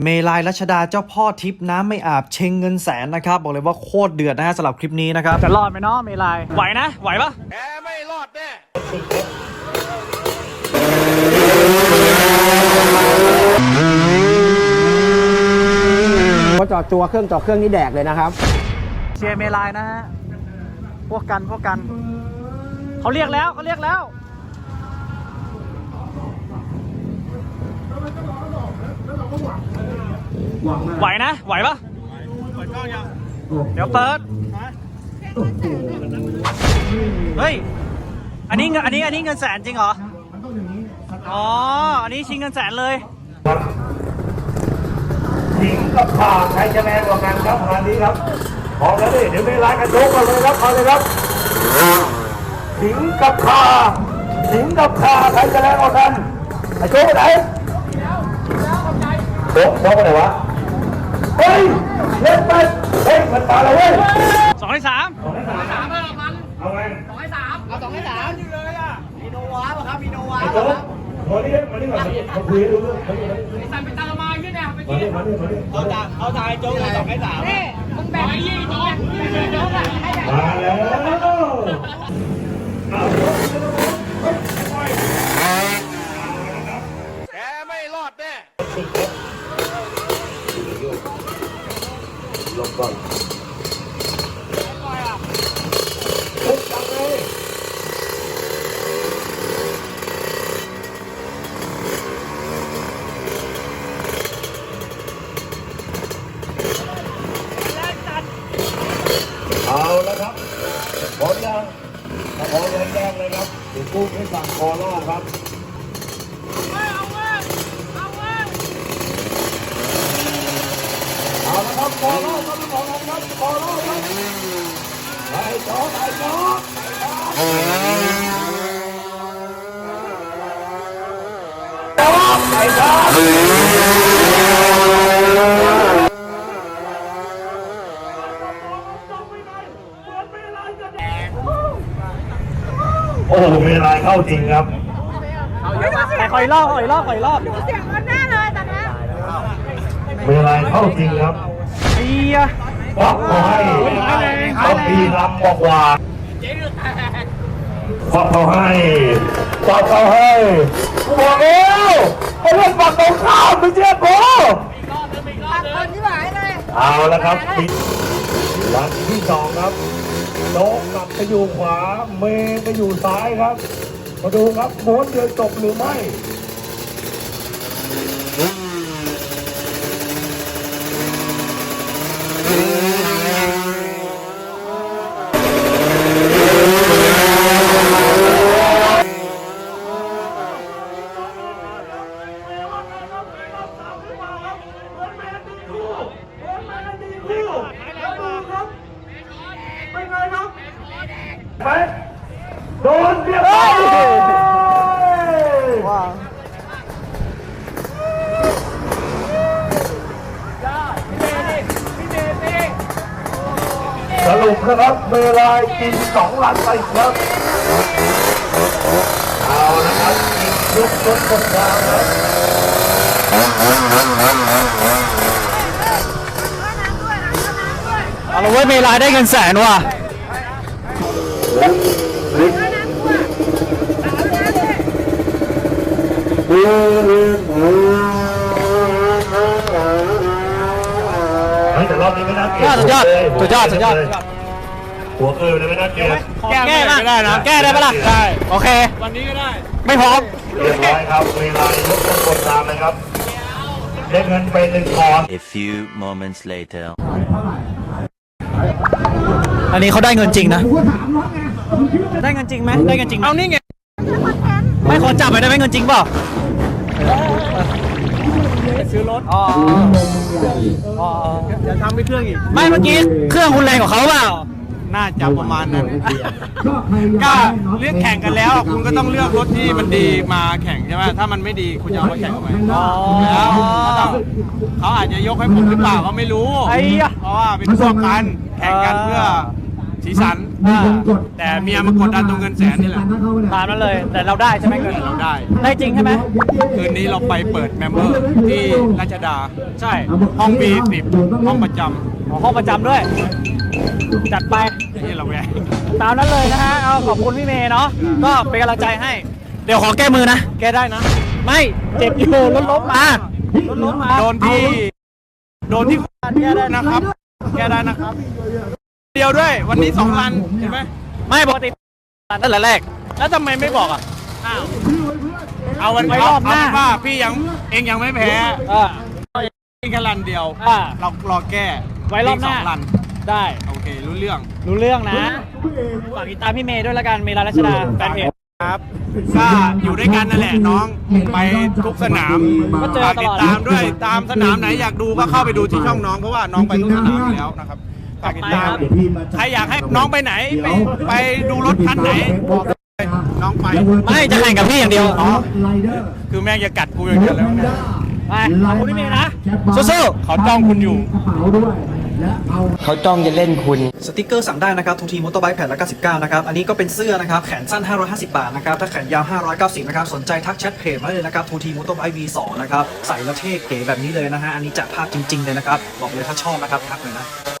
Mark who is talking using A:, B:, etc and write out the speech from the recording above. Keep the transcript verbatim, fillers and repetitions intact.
A: เมลัยรัชดาเจ้าพ่อทิพน้ำไม่อาบเชงเงินแสนนะครับบอกเลยว่าโคตรเดือดนะฮะสำหรับคลิปนี้นะครับจะรอดไหมเนาะเมลัยไหวนะไหวปะแกไม่รอดแน่
B: พอจอดตัวเครื่องจอดเครื่องนี่แดกเลยนะครับ
A: เชียร์เมลัยนะฮะพวกกันพวกกันเขาเรียกแล้วเขาเรียกแล้วไหวนะไหวปะเปิดกล้องยังเดี๋ยวเปิดเฮ้ยอันนี้เงินอันนี้อันนี้เงินแสนจริงเหรออ๋ออันนี้ชิงเงินแสนเลย
C: หญิงกับข่าใครจะแรงกว่ากันครับงานนี้ครับพอแล้วดิเดี๋ยวไม่ร้ายกันโยกกันเลยครับเอาเลยครับหญิงกับข่าหญิงกับข่าใครจะแรงกว่ากันไอ้โจ๊กไปไหนโจ๊กโจ๊กไปไหนวะเฮ้ยเล่นไปเฮ้ยมันตาเราเว้ย
A: สองให้สาม
C: สองให้สามสามห้าพันเอาไง
D: สองให้สามเอาสองให้สามอยู่เลยอ่ะมีโนวาป่ะครับมีโนวา
C: ไอ้โจ๊กมาดิมาดิมาดิมาคุยดูเรื่องมาดิมาดิ
D: ไอ้สันเป็นตาละมาขึ้นเนี่ยไป
C: มา
D: กิน
C: ดิมาดิมาดิ
D: เอาจ่าเอาจ่าไอ้โจ๊กเลยสองให้สามนี่มึงแบ่งให้ยี่โจ๊กโจ๊กอ่ะให้แบบ
C: มาแล้ว
D: แกไม่รอดแน่
C: ลงก่อนทุบจังเลยเอาแล้วครับพร้อมยังถ้าพร้อมแล้วแจ้งเลยครับเดี๋ยวกู้ให้สั่งคอล่อครับเอาเว้ยเอาเว้ยเอาแล้วครับคอล่อครับทุกคนครับคอล่อครับไอ้จอไอ้จอไอ้จอไอ้จอโอ้โหเวลาเข้าจริงครับ
A: แต่คอยรอบคอยรอบคอยรอบ
E: เสียงมันแน่เลยตอนนี้
C: เวลาเข้าจริงครับ
A: เฮีย
C: บอกเขาให้ต้องมีรำบอกว่าบอกเขาให้บอกเขาให้บอกแล้วไอ้เรื่องบอกตรงข้ามไม่เชื่อกู
E: ตัดคนที่หายเลย
C: เอาละครับวันที่สองครับโจ๊กกลับไปอยู่ขวาเมย์ไปอยู่ซ้ายครับมาดูครับม้วนเดียวจบหรือไม่ไปโดนเรียบร้อยว้าวสรุปนะครับเวลากินสองลันไปครับเอานะครับกินยุกยุกกดยาวครับ
A: เอาละเว้ยเมลัยได้เงินแสนว่ะ
C: แต่รอบนี้ไม่น่าเกลียด
A: สุดยอดสุดยอดสุดยอด
C: หัวเกลือเลยไม่น่าเกลียด
A: แก้ได้นะแก้ได้ปะล่ะได้โอเควันนี้ก็ได้ไม่พร้อม
C: เรียบร้อยครับเวลายกต้นกดตามเลยครับได้เงินไปหนึ่งคอน
F: A few moments later
A: อันนี้เขาได้เงินจริงนะได้เงินจริงไหมได้เงินจริงเอานี่ไงไม่ขอจับไปได้ไหมเงินจริงเปล่าซื้อรถอ๋ออ๋อจะทำไปเครื่องอีกไม่เมื่อกี้เครื่องคุณแรงกว่าเขาเปล่าน่าจะประมาณนั้น
G: ก็เลือกแข่งกันแล้วคุณก็ต้องเลือกรถที่มันดีมาแข่งใช่ไหมถ้ามันไม่ดีคุณจะเอามาแข่งทำไมแล้วเขาอาจจะยกให้ผมหรือเปล่าก็ไม่รู้เพราะว่าเป็นพวกกันแข่งกันเพื่อสีสัน
A: อ่า
G: แต่เมียมากดดันตรงเงินแสนนี่แหละ
A: ตามนั้นเลย แต่เราได้ใช่ไหมเงิน
G: เราได้
A: ได้จริงใช่ไหม
G: คืนนี้เราไปเปิดเมมเบอร์ที่ราชดา
A: ใช่
G: ห้องบีสิบห้องประจ
A: ขอห้องประจำด้วย จัดไป
G: ำที่เราแวะ
A: ตามนั้นเลยนะฮะ เอาขอบคุณพี่เมย์เนาะ ก็เป็นกำลังใจให้ เดี๋ยวขอแก้มือนะ แก้ได้นะ ไม่ เจ็บอยู่รถล้มมารถล้มมา
G: โดนที่ โดนที่แก้ได้นะครับ แก้ได้นะครับ เดียวด้วย วันนี้สองลันเห็นไหม
A: ไม่ปกตินั่นแหละแรก แล้วทำไมไม่บอกอ่ะ อ้าว
G: เอาวัน
A: ไว้รอบหน้า
G: เเป็นว่าพี่ยังเองยังไม่แพ้
A: อ่า
G: เองแค่ลันเดียว
A: อ่า
G: เรารอแก้
A: ไว้รอบหน้า
G: สองลัน
A: ได้
G: โอเค รู้เรื่อง
A: รู้เรื่องนะ ฝากติดตามพี่เมย์ด้วยละกัน เมย์รัชดาแฟนเพจ
G: ครับก็อยู่ด้วยกันนั่นแหละน้องไปทุกสนาม
A: ก็เจอ
G: ฝาก
A: ต
G: ติ
A: ล
G: ด
A: อด
G: ตามด้วยตามสนามไหนอยากดูก็เข้าไปดูที่ช่องน้องเพราะว่าน้องไปทุกสนามอยู่แล้วนะครับฝากติดตามใครอยากให้น้องไปไหนไปไปดูรถคันไหนบอกเลยน้องไป
A: ไม่จะแข่งกับพี่อย่างเดียว
G: อ๋อคือแม่งจะกัดกูอย่างเดียวแล้วเนี่ย
A: ไปขอบคุณพี่เมย์นะ สู้ๆ
G: เขาจ้องคุณอยู่
B: เขาจ้องจะเล่นคุณ
A: สติกเกอร์สั่งได้นะครับทูทีมอเตอร์ไบค์แผ่นละเก้าสิบเก้านะครับ อันนี้ก็เป็นเสื้อนะครับ แขนสั้นห้าร้อยห้าสิบบาทนะครับ ถ้าแขนยาวห้าร้อยเก้าสิบนะครับ สนใจทักแชทเพจมาเลยนะครับทูทีมอเตอร์ไบค์ วี สอง นะครับ ใส่แล้วเท่เก๋แบบนี้เลยนะฮะ อันนี้จัดภาพจริง ๆ เลยนะครับ บอกเลยถ้าชอบนะครับทักเลยนะ